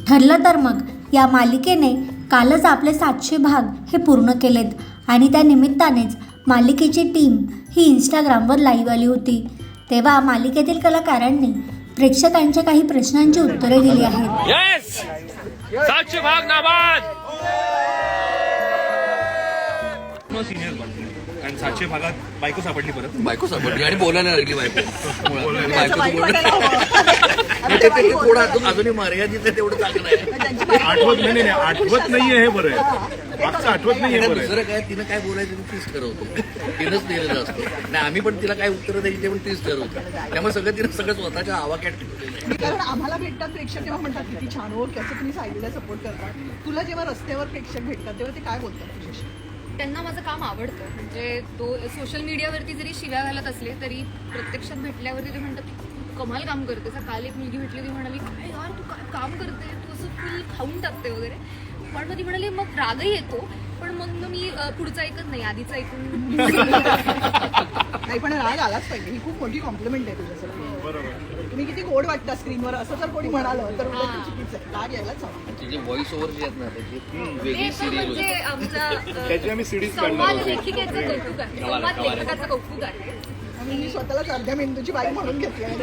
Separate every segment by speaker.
Speaker 1: ठरलं तर मग या मालिकेने कालच आपले 700 भाग हे पूर्ण केलेत आणि त्या निमित्तानेच मालिकेची टीम ही इंस्टाग्रामवर लाईव्ह आली होती. तेव्हा मालिकेतील कलाकारांनी प्रेक्षकांच्या काही प्रश्नांची उत्तरे दिली आहेत.
Speaker 2: यस 700 भाग नाबाद सिनियर बनतो कारण 700 भागात बायको सापडली परत
Speaker 3: आणि बोलायला लागली बायको अजूनही मर्यादित आहे तेवढं चांगलं आहे.
Speaker 2: आठवत नाहीये हे बरं आहे. मागचं आठवत नाहीये बरं
Speaker 3: दुसरं काय तिनं काय बोलायचं तीच ठरवतो. तिनंच दिलेलं असतं नाही आम्ही पण तिला काय उत्तर द्यायची ते पण तीच ठरवतो. त्यामुळे तिनं सगळं स्वतःच्या आवाक्यात ठेवलेलं आहे.
Speaker 4: कारण आम्हाला भेटतात प्रेक्षक तेव्हा म्हणतात किती छान हो कसं तुम्ही सायलीला सपोर्ट करता. तुला जेव्हा रस्त्यावर प्रेक्षक भेटतात तेव्हा ते काय बोलतात तुझ्याशी?
Speaker 5: त्यांना माझं काम आवडतं. म्हणजे तो सोशल मीडियावरती जरी शिव्या घालत असले तरी प्रत्यक्षात भेटल्यावरती ते म्हणतात कमाल काम करते. काल एक मुलगी भेटली ती म्हणाली काय यार तू काय काम करते तू असं फुल खाऊन टाकते वगैरे. पण मग ती म्हणाली मग रागही येतो पण मग मी पुढचं ऐकत नाही आधीचं ऐकून.
Speaker 4: नाही पण राग आलाच पाहिजे. ही खूप मोठी कॉम्प्लिमेंट आहे तुझ्यासाठी. तुम्ही किती गोड वाटता स्क्रीनवर असं जर कोणी म्हणालं तर उलट ते चुकीचं आहे. राग यायलाच हवा.
Speaker 3: तिचे व्हॉइस ओव्हर जे आहेत ना त्याची वेगळी सिरियल
Speaker 5: म्हणजे आमचा
Speaker 2: त्याची आम्ही सीडीज
Speaker 5: संवाद लेखिकेचं कौतुक आहे. संवाद लेखकाचं कौतुक आहे.
Speaker 4: मी स्वतःलाच अर्ध्या मेंदूची बाई म्हणून घेतली आहे.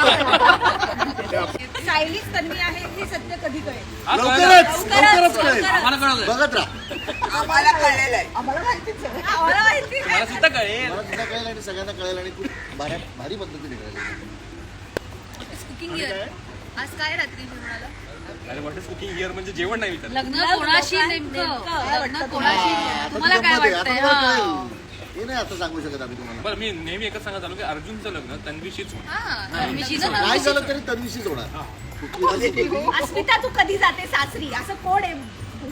Speaker 6: सायलीच तन्वी आहे हे सत्य कधी कळेल?
Speaker 3: लवकरच कळेल. आम्हाला कळलं बघत राहा.
Speaker 4: आम्हाला कळलेलं आहे. आम्हाला माहितीच आहे.
Speaker 6: आम्हाला माहिती आहे.
Speaker 3: मला सुद्धा कळेल आणि सगळ्यांना कळेल आणि खूप भारी पद्धतीने कळेल.
Speaker 5: कुकिंग इयर आज काय रात्री मी म्हणाला
Speaker 2: अरे व्हॉट इज कुकिंग हिअर म्हणजे जेवण नाही विचारलं.
Speaker 5: लग्न कोणाशी नेमकं लग्न कोणाशी तुम्हाला काय वाटतंय?
Speaker 3: हे नाही आता सांगू शकत आम्ही तुम्हाला.
Speaker 2: बरं मी नेहमी एकच सांगत आलो की अर्जुनचं लग्न तन्वीशीच होणार.
Speaker 3: काय झालं तरी तन्वीशीच होणार.
Speaker 6: अस्मिता तू कधी जाते सासरी असं कोण आहे?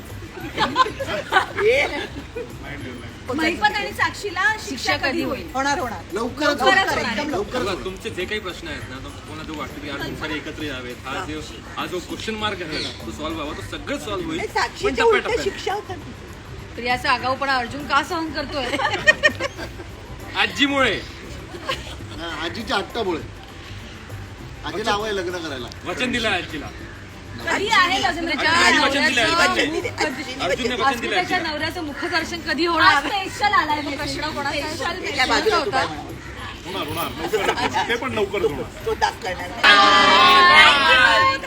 Speaker 6: महिपत आणि साक्षीला शिक्षा कधी होईल?
Speaker 4: होणार
Speaker 3: लवकरच
Speaker 4: एकदम लवकर.
Speaker 2: बघा, तुमचे जे काही प्रश्न आहेत ना कोणाला जो वाटतं की अर्जुन सारे एकत्र यावेत हा जो क्वेश्चन मार्क आहे तो सॉल्व्ह व्हावा तो सगळं सॉल्व्ह होईल. पण
Speaker 4: साक्षीच्या उलट
Speaker 2: टप्प्याटप्प्याने.
Speaker 4: शिक्षा होतात.
Speaker 5: तर याचा आगाऊपणा अर्जुन का सहन करतोय?
Speaker 2: आजीमुळे
Speaker 3: आजीच्या हट्टामुळे आजीला हवंय लग्न करायला.
Speaker 2: वचन दिलं आजीला.
Speaker 6: कधी आहे लग्न?
Speaker 2: आजीने वचन दिलंय. अर्जुनने वचन दिलंय
Speaker 5: त्याच्या
Speaker 2: आजीला.
Speaker 5: नवऱ्याचं मुखदर्शन कधी
Speaker 6: आज
Speaker 5: होणार?
Speaker 6: स्पेशल आलाय
Speaker 5: प्रश्न कोणाचा
Speaker 6: स्पेशल
Speaker 5: होता?
Speaker 2: होणार लवकर ते पण लवकर होणार.
Speaker 4: तो टास्क करणार.
Speaker 6: Thank you.